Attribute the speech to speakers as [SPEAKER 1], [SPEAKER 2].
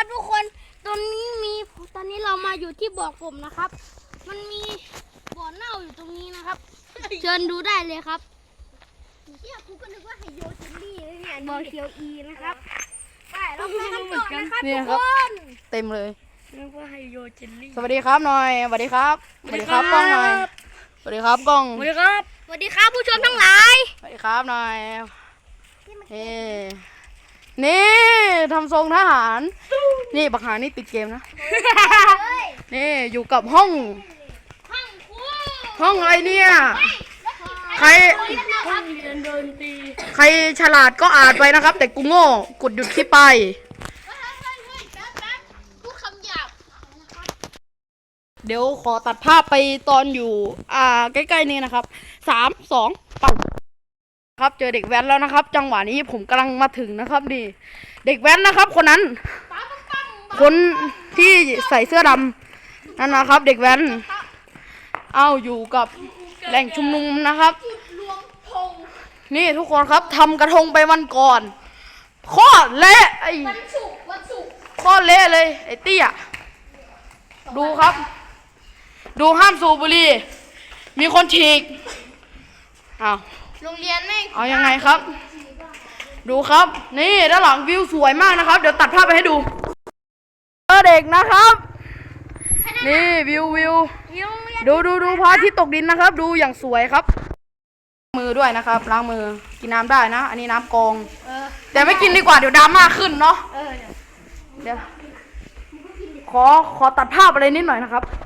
[SPEAKER 1] ครับทุกคนตอนนี้เรามาอยู่ที่บ่อกบนะครับมันมีบ่อเน่าอยู่ตรงนี้นะครับเชิญดูได้เลยครับเนี่ยกูก็นึกว่าไฮโยเจลลี่เนี่ยบ่อเคียวอีนะครับไปเราไปกันต่อนะครับทุกคน
[SPEAKER 2] เต็มเลย
[SPEAKER 3] นึกว่าไฮโยเจลลี่
[SPEAKER 2] สวัสดีครับหน่อยสวัสดีครับสวัสดีครับกล้องหน่อยสวัสดีครับกล้อง
[SPEAKER 3] สวัสดีครับ
[SPEAKER 1] สวัสดีครับผู้ชมทั้งหลาย
[SPEAKER 2] สวัสดีครับหน่อยนี่ทำทรงทหารนี่บักหานี่ติดเกมนะนี่อยู่กับห้องอะไรเนี่ยใครฉลาดก็อ่านไปนะครับแต่กูโง่กดหยุดคลิปไปเดี๋ยวขอตัดภาพไปตอนอยู่ใกล้ๆนี้นะครับ3 2ปังครับเจอเด็กแว้นแล้วนะครับจังหวะนี้ผมกำลังมาถึงนะครับนี่เด็กแว้นนะครับคนนั้นคนที่ใส่เสื้อดำนั่นนะครับเด็กแว้นอยู่กับแหล่งชุมนุมนะครับนี่ทุกคนครับทำกระทงไปวันก่อนข้อเละข้อเละเลยไอ้เตี้ยดูครับดูห้ามสูบบุหรี่มีคนฉีก
[SPEAKER 1] โรงเรียนไม่
[SPEAKER 2] เอายังไงครับดูครับนี่ด้านหลังวิวสวยมากนะครับเดี๋ยวตัดภาพไปให้ดูเด็กนะครับนี่วิวดูพระอาทิตย์ตกดินนะครับดูอย่างสวยครับมือด้วยนะครับล้างมือกินน้ำได้นะอันนี้น้ำกองแต่ไม่กินดีกว่าเดี๋ยวดราม่าขึ้นเนาะเดี๋ยวขอตัดภาพอะไรนิดหน่อยนะครับ